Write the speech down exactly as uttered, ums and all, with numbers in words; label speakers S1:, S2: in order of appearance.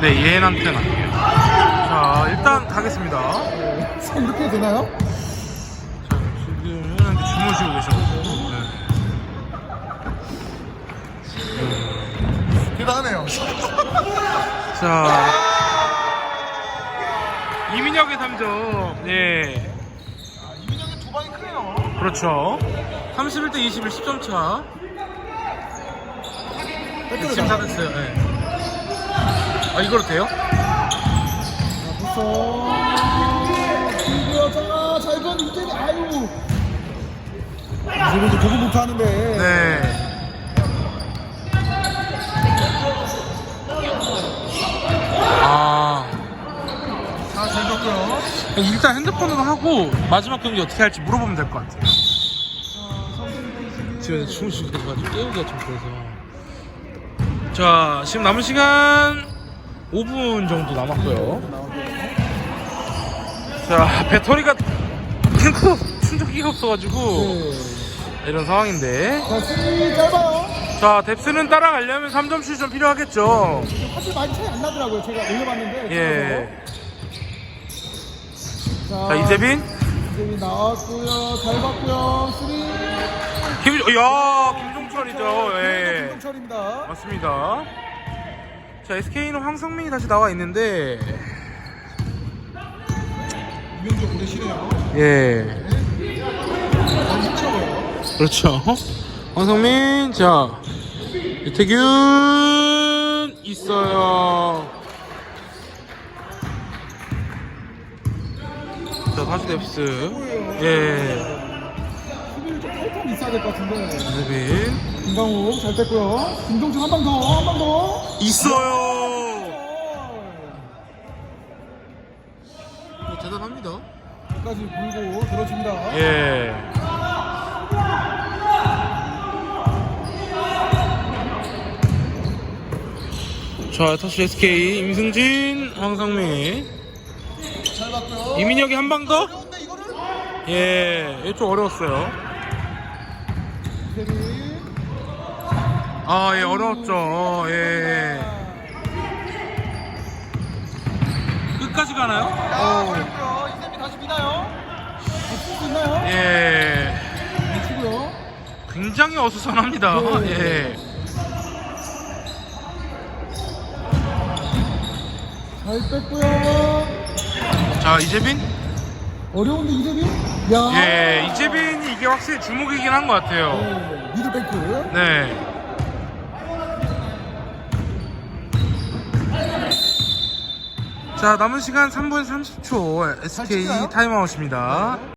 S1: 네, 얘한테는. 자, 일단 가겠습니다.
S2: 지금 이렇게 되나요?
S1: 자, 지금 얘한테 주무시고 계셔가지고. 네.
S2: 대단하네요.
S1: 자, 이민혁의 삼 점. 예.
S2: 아, 이민혁의 두 방이 크네요.
S1: 그렇죠. 삼십일 대 이십일 십 점 차. 지금 다 됐어요. 네. 아, 이거로 돼요?
S2: 무서. 김구여자가 잘건 이제 아유. 이제는 보고 못하는데.
S1: 네. 아.
S2: 자, 잘 줬고요.
S1: 일단 핸드폰으로 하고 마지막 경기 어떻게 할지 물어보면 될 것 같아요. 지금 주무시고 계셔가지고 깨우기가 좀 그래서. 자, 지금 남은 시간 오 분 정도 남았고요. 자, 배터리가 탱크 충전기가 없어가지고
S2: 네.
S1: 이런 상황인데.
S2: 자, 스윙이 짧아요.
S1: 자, 뎁스는 따라가려면 삼 점슛이 좀 필요하겠죠.
S2: 사실 많이 차이 안 나더라고요. 제가 올려봤는데.
S1: 예.
S2: 자,
S1: 자, 이재빈.
S2: 이재빈 나왔고요. 잘 봤고요. 스윙.
S1: 김, 야, 김종철이죠. 예.
S2: 김종철입니다.
S1: 맞습니다. 자, 에스케이는 황성민이 다시 나와 있는데.
S2: 유명적 오래 쉬네요.
S1: 예. 그렇죠. 황성민, 자, 유태균 있어요. 자, 다시 뎁스. 예.
S2: 수비를 좀 탈탈 있어야 될 것 같은데.
S1: 이재빈
S2: 김강욱 잘 뺐고요. 김종철 한 방 더, 한 방 더.
S1: 있어요. 뭐 대단합니다.
S2: 끝까지 물고 들어줍니다.
S1: 예. 자, 다시 에스케이 임승진, 황성민,
S2: 잘 봤고요.
S1: 이민혁이 한 방 더.
S2: 어려운데 이거를?
S1: 예, 이거 좀 어려웠어요.
S2: 이재빈.
S1: 아, 예, 어려웠죠. 예. 끝까지 가나요?
S2: 어. 이재빈 다시 미나요? 쓸수 있나요?
S1: 예.
S2: 치고요.
S1: 굉장히 어수선합니다.
S2: 네.
S1: 예.
S2: 잘 뺐고요.
S1: 자, 이재빈.
S2: 어려운데 이재빈? 야.
S1: 예, 이재빈이 이게 확실히 주목이긴 한 것 같아요.
S2: 네, 미들뱅크.
S1: 네. 자, 남은 시간 삼 분 삼십 초 에스케이
S2: 찍나요?
S1: 타임아웃입니다.